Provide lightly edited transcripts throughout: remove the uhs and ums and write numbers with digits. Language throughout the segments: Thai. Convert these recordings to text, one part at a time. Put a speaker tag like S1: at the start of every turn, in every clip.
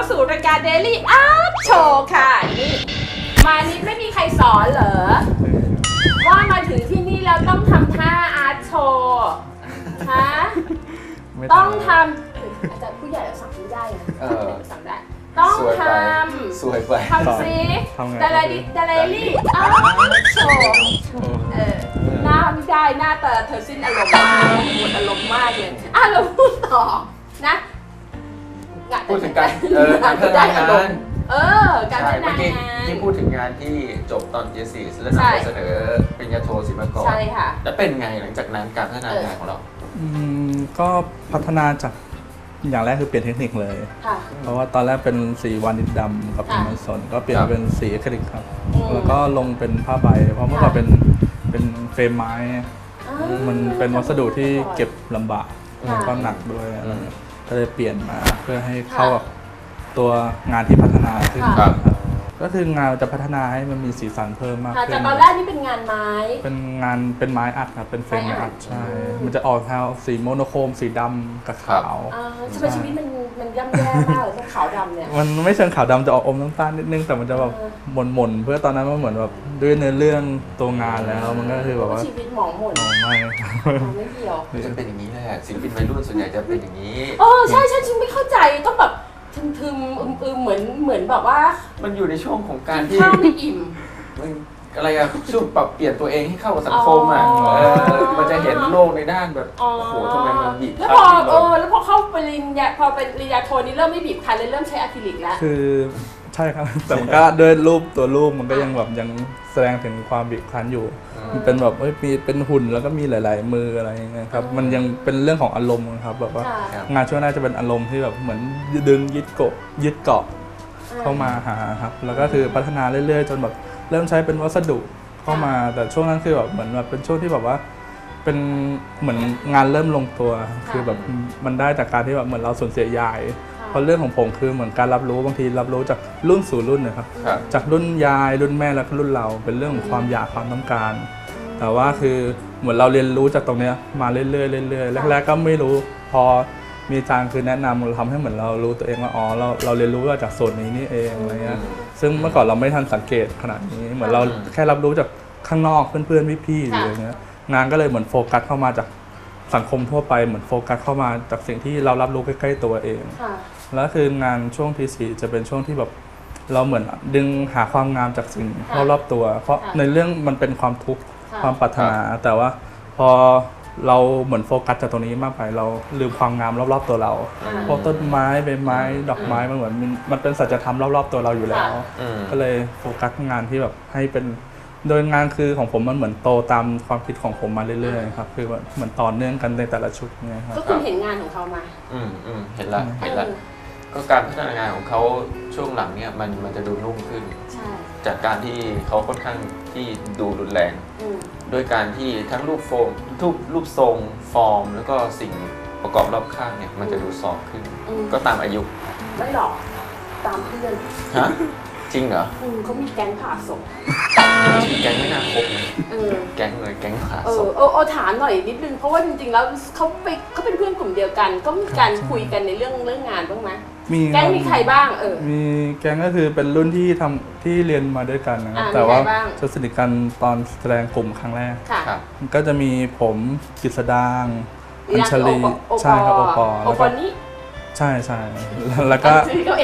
S1: สู่รายการ Daily Art Show ค่ะนี่มานิดไม่มีใครสอนเหรอว่ามาถึงที่นี่แล้วต้องทำท่าอาร์ตโชว์ฮะต้องทำอาจารย์ผู้ใหญ่สั่งไม่ได้นะสั่งได้ต้องทำ
S2: สวยไป
S1: ทำซิดาราลี่อาร์ตโชว์หน้าไม่ได้หน้าแต่เธอสิ้นอารมณ์มากหมดอารมณ์มากเลยเราพูดต่อนะ
S2: พูดถึงการพัฒนางาน
S1: การพัฒนางาน
S2: ที่พูดถึงงานที่จบตอนJ4แล้วนำไปเสนอปริญญาโทศิลปากร
S1: ใช่ค่ะ
S2: แล้วเป็นไงหลังจากนั้นการพัฒนางานของเรา
S3: ก็พัฒนาจากอย่างแรกคือเปลี่ยนเทคนิคเลยเพราะว่าตอนแรกเป็นสีวานิชดำกับเป็นไม้สนก็เปลี่ยนเป็นสีอะคริลิกครับแล้วก็ลงเป็นผ้าใบเพราะเมื่อก่อนเป็นเฟรมไม้มันเป็นวัสดุที่เก็บลำบากแล้วก็หนักด้วยก็เลยเปลี่ยนมาเพื่อให้เข้ากับตัวงานที่พัฒนาขึ้นครับก็คืองานจะพัฒนาให้มันมีสีสันเพิ่มมากขึ้น
S1: จากตอนแรกนี่เป็นงานไม้
S3: เป็นไม้อัดครับเป็นเฟรมไม้อัดใช่มันจะออกแนวสีโมโนโครมสีดำกับขาว
S1: ทำไมชีวิตมันย่ำแย่มากเลยขาวดำเนี่ย
S3: มันไม่เชิงขาวดำจะออกอมน้ำตาลนิดนึงแต่มันจะแบบหม่นเพื่อตอนนั้นมันเหมือนแบบด้วยเนื้อเรื่องตัวงานแล้วมันก็คือแบบว่า
S1: ชีวิตหมองหม่นไม่เกี่ยว
S2: จะเป็นอย่างนี้แหละศิลปินวัยรุ่นส่วนใหญ่จะเป็นอย่างนี้
S1: ใช่ฉันไม่เข้าใจต้องแบบทึมเหมือนแบบว่า
S2: มันอยู่ในช่วงของการที่
S1: ข้าวไม่อิ่ม
S2: อะไรอะช่วงปรับเปลี่ยนตัวเองให้เข้ากับสังคมมันจะเห็นโลกในด้านแบบโอ้โหทำไมมันบีบ
S1: แล้วพอเข้าปริญญาพอเป็นปริญญาโทนี่เริ่มไม่บีบคันเลยเริ่มใช้อะคริลิกแล้ว
S3: คือใช่ครับแต่มันก็ด้วยตัวรูปมันก็ยังแบบยังแสดงถึงความบีบคั้นอยู่มันเป็นแบบมีเป็นหุ่นแล้วก็มีหลายๆมืออะไรอย่างเงี้ยครับมันยังเป็นเรื่องของอารมณ์ครับแบบว่างานช่วงแรกจะเป็นอารมณ์ที่แบบเหมือนดึงยึดเกาะเข้ามาหาครับแล้วก็คือพัฒนาเรื่อยๆจนแบบเริ่มใช้เป็นวัสดุเข้ามาแต่ช่วงนั้นคือแบบเหมือนแบบเป็นช่วงที่แบบว่าเป็นเหมือนงานเริ่มลงตัวคือแบบมันได้จากการที่แบบเหมือนเราสูญเสียยายเพราะเรื่องของผมคือเหมือนการรับรู้บางทีรับรู้จากรุ่นสู่รุ่นนะครับจากรุ่นยายรุ่นแม่แล้วก็รุ่นเราเป็นเรื่องของความอยากความต้องการแต่ว่าคือเหมือนเราเรียนรู้จากตรงนี้มาเรื่อยๆเรื่อยๆแรกๆก็ไม่รู้พอมีอาจารย์คือแนะนำเราทำให้เหมือนเรารู้ตัวเองว่าอ๋อเราเรียนรู้จากส่วนนี้นี่เองอะไรเงี้ยซึ่งเมื่อก่อนเราไม่ทันสังเกตขนาดนี้เหมือนเราแค่รับรู้จากข้างนอกเพื่อนๆพี่ๆอะไรเงี้ยงานก็เลยเหมือนโฟกัสเข้ามาจากสังคมทั่วไปเหมือนโฟกัสเข้ามาจากสิ่งที่เรารับรู้ใกล้ๆตัวเองแล้วคืองานช่วงที่4จะเป็นช่วงที่แบบเราเหมือนดึงหาความงามจากสิ่งรอบๆตัวเพราะในเรื่องมันเป็นความทุกข์ความปรารถนาแต่ว่าพอเราเหมือนโฟกัสจากตรงนี้มากไปเราลืมความงามรอบๆตัวเราเพราะต้นไม้ใบไม้ดอกไม้มันเหมือนมันเป็นสัจธรรมรอบๆตัวเราอยู่แล้วก็เลยโฟกัสงานที่แบบให้เป็นโดยงานคือของผมมันเหมือนโตตามความคิดของผมมาเรื่อยๆครับคือเหมือนต่อเนื่องกันในแต่ละชุดไงครับ
S1: ก็คุณเห็นงานของเขามา
S2: เห็นละก็การพัฒนางานของเขาช่วงหลังเนี่ยมันจะดูนุ่มขึ้นจากการที่เขาค่อนข้างที่ดูรุนแรงด้วยการที่ทั้งรูปทรงฟอร์มแล้วก็สิ่งประกอบรอบข้างเนี่ยมันจะดูซอฟขึ้นก็ตามอายุ
S1: ไม่หรอกตามเพื่อน
S2: ฮะจริงเหรอ
S1: เขามีแก๊งผ่าศพ
S2: แก๊งไม่น่าคบแก๊งเลยแก๊งผ่าศพ
S1: ถามหน่อยนิดนึงเพราะว่าจริงๆแล้วเขาเป็นเพื่อนกลุ่มเดียวกันก็มีการคุยกันในเรื่องงานบ้างไหมแก๊งมีใครบ้าง
S3: มีแก๊งก็คือเป็นรุ่นที่เรียนมาด้วยกันนะครับแต่ว่าจะสนิทกันตอนแสดงกลุ่มครั้งแรกก็จะมีผมกฤษดางอัญชลีใช่ครับโอปอแล้วก็ใช่แล้วก็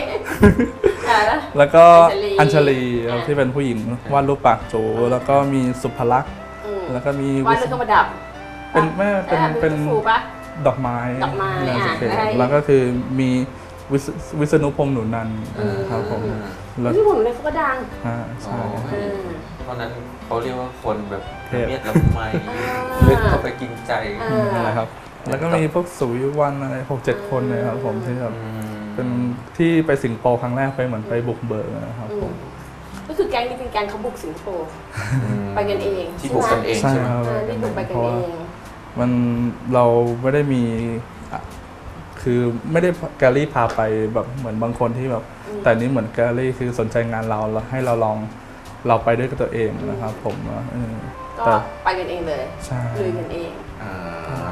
S3: แล้วก็อัญชลีที่เป็นผู้หญิงวาดรูปปากโจแล้วก็มีสุภลักษณ์แล้วก็มี
S1: วาดรูปประดับ
S3: เป็นดอกไม้แล้วก็คือมีวิษณุพงษ์หนุนันท์ครับผม
S1: วิษณุพงษ์หนุนันท์เขาก็ดัง
S3: ใช่
S2: เพราะนั้นเขาเรียกว่าคนแบบเมียดละไมลึกเข้าไปกินใจ
S3: นะครับแล้วก็มีพวกสุวิวันอะไร6-7 คนเลยครับผมที่แบบเป็นที่ไปสิงคโปร์ครั้งแรกไปเหมือนไปบุกเบิกนะครับผม
S1: ก็คือแก๊งนี้เป็นแก๊งเขาบุกสิงคโปร์ไปกันเอง
S2: ที่บุกกันเองใช่ไหม
S1: ที่บุกไปกันเอง
S3: มันเราไม่ได้มีคือไม่ได้แกลลี่พาไปแบบเหมือนบางคนที่แบบแต่นี้เหมือนแกลลี่คือสนใจงานเราแล้วให้เราลองเราไปด้วยตัวเองนะครับผม
S1: ก็ไปกันเองเลย
S3: ใช่
S1: ลุยกันเอง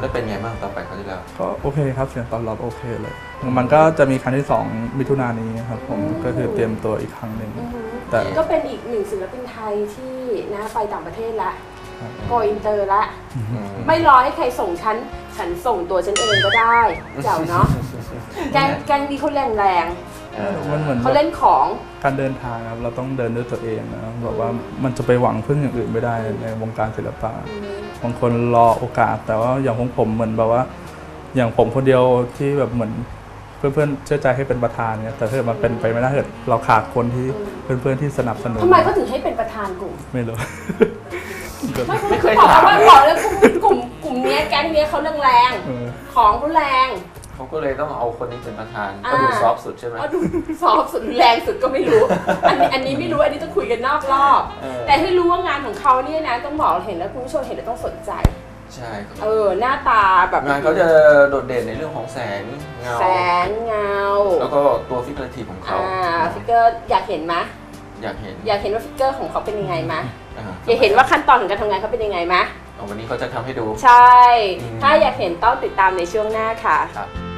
S2: แล้วเป็นไงบ้างต่อไปเขาวที่แล้ว
S3: ก็โอเคครับเสียงตอบรับโอเคเลย มันก็จะมีครั้งที่ 2 มิถุนายนนี้ครับผมก็คือเตรียมตัวอีกครั้งหนึ่งแต่
S1: ก็เป็นอีกหนึ่งศิลปินไทยที่นะไปต่างประเทศละโกอินเตอร์ละ ไม่รอให้ใครส่งฉันส่งตัวฉันเองก็ได้เจ้าเนาะแกงดีเขาแรง
S3: มันเหมือน
S1: เขาเล่นของ
S3: การเดินทางครับเราต้องเดินด้วยตัวเองนะแบบว่ามันจะไปหวังพึ่งอย่างอื่นไม่ได้ในวงการศิลปะบางคนรอโอกาสแต่ว่าอย่างของผมเหมือนแบบว่า อย่างผมคนเดียวที่แบบเหมือนเพื่อนๆเชื่อใจให้เป็นประธานเนี่ยแต่ถ้าเกิดมันเป็นไปไม่ได้เกิดเราขาดคนที่เพื่อนๆที่สนับสนุน
S1: ทำไมเขาถึงให้เป็นประธานกลุ่ม
S3: ไม่รู้
S2: ไม่เคย
S1: บอก
S2: ถาม
S1: ว่าบอกแล้วกลุ่มเนี้ยแก๊งเนี้ยเขาแรงของเขาแรง
S2: เขาก็เลยต้องเอาคนนี้เป็นประธาน
S1: อ่า
S2: ก็ดูซอฟต์สุดใช่ไหม
S1: ก็ดูซอฟสุดแรงสุดก็ไม่รู้ อันนี้ไม่รู้อันนี้ต้องคุยกันนอกรอบ แต่ให้รู้ว่างานของเขาเนี่ยนะต้องบอกเห็นแล้วคุณผู้ชมเห็นแล้วต้องสนใจ
S2: ใช่ครับ
S1: หน้าตาแบบ
S2: งานเขาจะโดดเด่นในเรื่องของแสงเงา
S1: แสงเงา
S2: แล้วก็ตัวฟิกเกอร์ทีของเขา
S1: ฟิกเกอร์อยากเห็นไหม
S2: อยากเห็น
S1: อยากเห็นว่าฟิกเกอร์ของเขาเป็นยังไงไหม
S2: อ่า
S1: อยากเห็นว่าขั้นตอนของการทำงานเขาเป็นยังไงไหม
S2: วันนี้เขาจะทำให้ดู
S1: ใช่ ถ้าอยากเห็นต้องติดตามในช่วงหน้าค่ะ
S2: ครับ